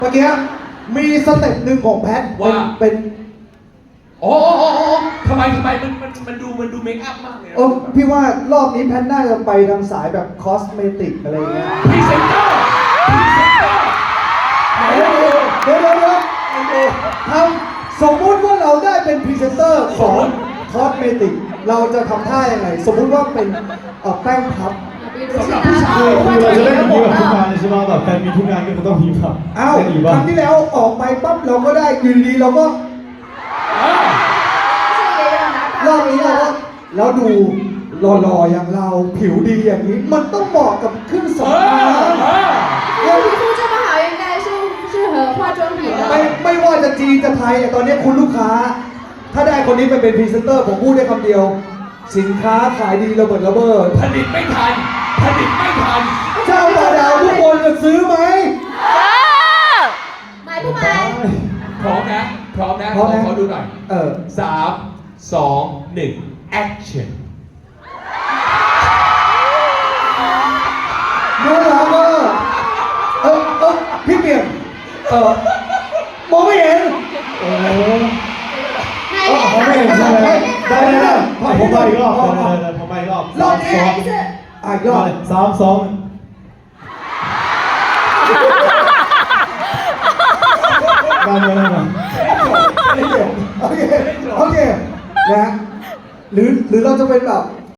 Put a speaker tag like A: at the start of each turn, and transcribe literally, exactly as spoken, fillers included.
A: เมื่อกี้มีสเต็ปหนึ่งของแพทเป็นเป็น
B: โอ้โอ้โอ้โอ้ทำไมทำไมมันมันมันดูมันดูเมคอัพมากเลย
A: เออพี่ว่ารอบนี้แพทน่าจะไปทางสายแบบคอสเมติกอะไรเงี้ย
B: พรีเซนเตอร์พรีเซนเตอร์ไหน
A: เดี๋ยว
B: ดู
A: เดี๋ยวเดี๋ยวเดี๋ยวทำสมมุติว่าเราได้เป็นพรีเซนเตอร์ของคอสเมติกเราจะทำท่ายังไงสมมุติว่าเป็นเอ่อแป้งพับ
B: สำหรับผู้ชาย
C: คือเราจะเล่นอย่างนี้แบบทุกงานเลยใช่ไหมแบบแฟนมีทุกงานก็ต้องมีแบบ
A: เอ้า
C: เล่นอีก
A: ค
C: บ้า
A: รั้
C: ง
A: งที่แล้วออกไปปั๊บเราก็ได้อยู่ดีๆเราก็รอบนี้เราก็แล้วดูหล่อๆอย่างเราผิวดีอย่างนี้ มันต้องเหมาะกับเครื่อง
B: เอ
A: สำ
B: อ
A: อาง
B: เออ
D: 我皮肤这么好，应该是适合化妆品
A: ไม่
D: 的。
A: ไม่ว่าจะจีนจะไทยเนี่ยตอนนี้คุณลูกค้า ถ้าได้คนนี้ไปเป็นพรีเซนเตอร์ผมพูดได้คำเดียว สินค้าขายดีระเบิดระเบ้อ
B: ผลิตไม่ทันผลิตไม่ทัน
A: เจ้าตาดาวทุกคนจะซื้อไหม
D: 买不买？
B: พร้อมนะพร้อมนะ
A: พร้อมนะ
B: ขอดูหน่อย
A: เออ
B: สามสองหนึ่ง action
A: น่ารักอ่ะเออเออพี่เปลี่ยนเออมองไม่เห็นโอ้
D: 哪
A: เออมองไม่
D: 边
A: เห็น
D: 看？
A: ใช่ไหม
D: 哪
A: ได้
D: 边
A: ได้
D: 看？
A: ได้
C: ผมไปอีกรอบเดี๋ยวๆๆผมไปอีกรอบ
A: รอบ
D: 再来一次。
A: อ่ะยอด
C: สามสอง การเมืองอะไร
A: โอเคโอเคโอเคนะฮะหรือหรือเราจะเป็นแบบ